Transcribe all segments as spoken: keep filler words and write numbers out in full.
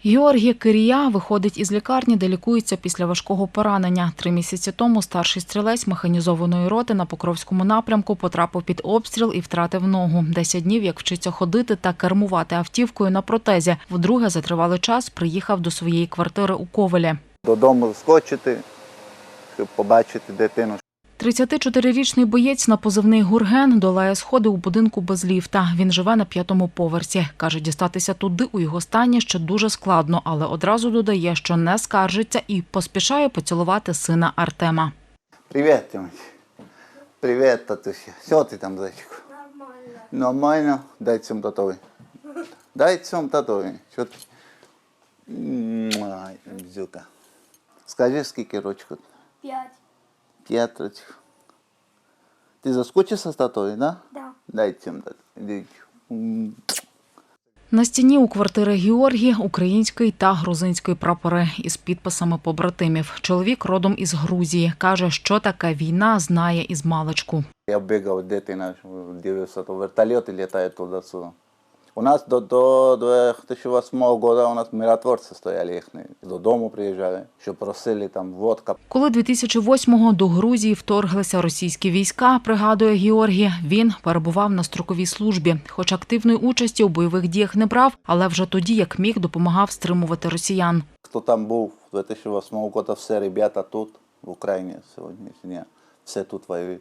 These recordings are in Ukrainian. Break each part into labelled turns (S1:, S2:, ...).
S1: Георгій Кирія виходить із лікарні, де лікується після важкого поранення. Три місяці тому старший стрілець механізованої роти на Покровському напрямку потрапив під обстріл і втратив ногу. Десять днів, як вчиться ходити та кермувати автівкою на протезі. Вдруге за тривалий час приїхав до своєї квартири у Ковелі.
S2: Додому скочити, щоб побачити дитину.
S1: тридцятичотирирічний боєць на позивний «Гурген» долає сходи у будинку без ліфта. Він живе на п'ятому поверсі. Каже, дістатися туди у його стані ще дуже складно, але одразу додає, що не скаржиться і поспішає поцілувати сина Артема.
S2: Привіт, Тимофій. Привіт, татуся. Що ти там, зайчику?
S3: Нормально.
S2: Нормально? Дай цьому татові. Дай цьому татові. Що ти? Ай, бзюка. Скажи, скільки рочку?
S3: П'ять.
S2: П'ять рочку. Ти заскучився з татові, да?
S3: Да.
S2: Дай цьому татові.
S1: На стіні у квартири Георгія український та грузинський прапори із підписами побратимів. Чоловік родом із Грузії. Каже, що таке війна, знає із маличку.
S2: Я бігав дитина, дивився, то вертольоти літають туди-сюди. У нас до, до дві тисячі восьмого року у нас миротворці стояли їхні. Додому приїжджали, що просили там водка.
S1: Коли дві тисячі восьмого до Грузії вторглися російські війська, пригадує Георгій, він перебував на строковій службі. Хоч активної участі у бойових діях не брав, але вже тоді, як міг, допомагав стримувати росіян.
S2: Хто там був дві тисячі восьмого року, всі ребята тут, в Україні сьогодні, все тут воюють.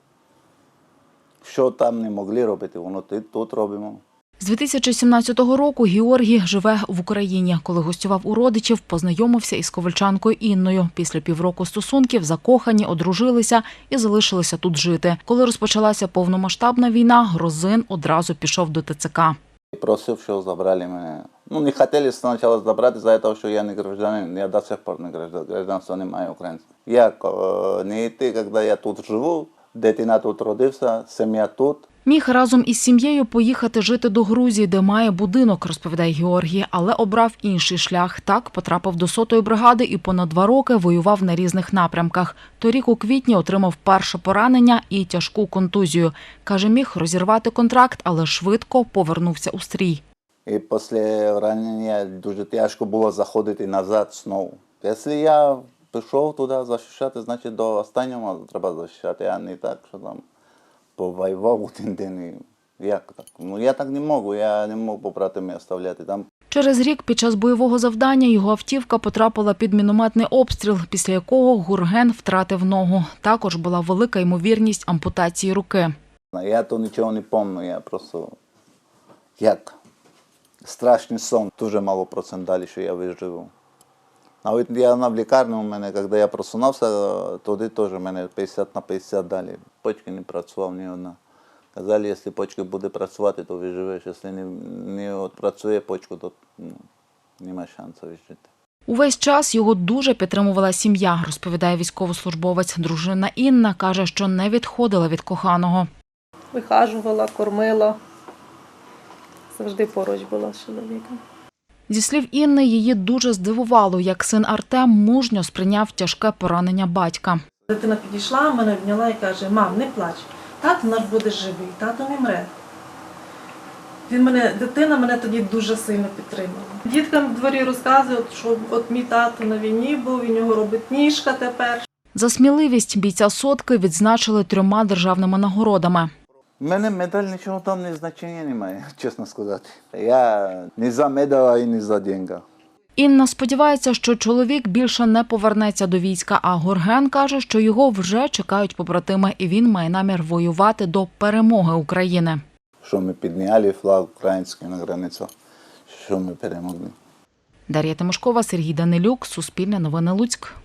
S2: Що там не могли робити, воно тут робимо.
S1: З дві тисячі сімнадцятого року Георгій живе в Україні. Коли гостював у родичів, познайомився із ковальчанкою Інною. Після півроку стосунків закохані, одружилися і залишилися тут жити. Коли розпочалася повномасштабна війна, грузин одразу пішов до Те Це Ка.
S2: Просив, що забрали мене. Ну, не хотіли спочатку забрати, за те, що я не гражданин. Я до сих пор не гражданин, гражданство не маю українського. Як не йти, коли я тут живу, дитина тут родився, сім'я тут.
S1: Міг разом із сім'єю поїхати жити до Грузії, де має будинок, розповідає Георгій, але обрав інший шлях. Так потрапив до сотої бригади і понад два роки воював на різних напрямках. Торік у квітні отримав перше поранення і тяжку контузію. Каже, міг розірвати контракт, але швидко повернувся у стрій.
S2: І після ранення дуже тяжко було заходити назад знову. Якщо я пішов туди захищати, значить до останнього треба захищати, а не так, що там повоював один день. Як так? Ну я так не можу, я не можу побратимів оставляти там.
S1: Через рік під час бойового завдання його автівка потрапила під мінометний обстріл, після якого Гурген втратив ногу. Також була велика ймовірність ампутації руки.
S2: Я то нічого не пам'ятаю, я просто як страшний сон. Дуже мало процент далі, що я виживу. Навіть я в лікарні у мене, коли я просунувся, туди теж у мене п'ятдесят на п'ятдесят далі. Почки не працював ні одна. Казали, якщо почка буде працювати, то виживеш. Якщо не, не працює почку, то ну, немає шансу вижити.
S1: Увесь час його дуже підтримувала сім'я, розповідає військовослужбовець. Дружина Інна каже, що не відходила від коханого.
S4: Вихажувала, кормила. Завжди поруч була з чоловіком.
S1: Зі слів Інни, її дуже здивувало, як син Артем мужньо сприйняв тяжке поранення батька.
S4: Дитина підійшла, мене обняла і каже: мам, не плач, тато наш буде живий, тато не мре. Він мене, дитина мене тоді дуже сильно підтримала. Діткам в дворі розказують, що от мій тато на війні був, він його робить ніжка тепер.
S1: За сміливість бійця сотки відзначили трьома державними нагородами.
S2: У мене медаль нічого там не значення немає, чесно сказати. Я не за медаль і не за гроші.
S1: Інна сподівається, що чоловік більше не повернеться до війська, а Гурген каже, що його вже чекають побратими, і він має намір воювати до перемоги України.
S2: Що ми підняли флаг український на границю, що ми перемогли.
S1: Дар'я Тимошкова, Сергій Данилюк, Суспільне новини Луцьк.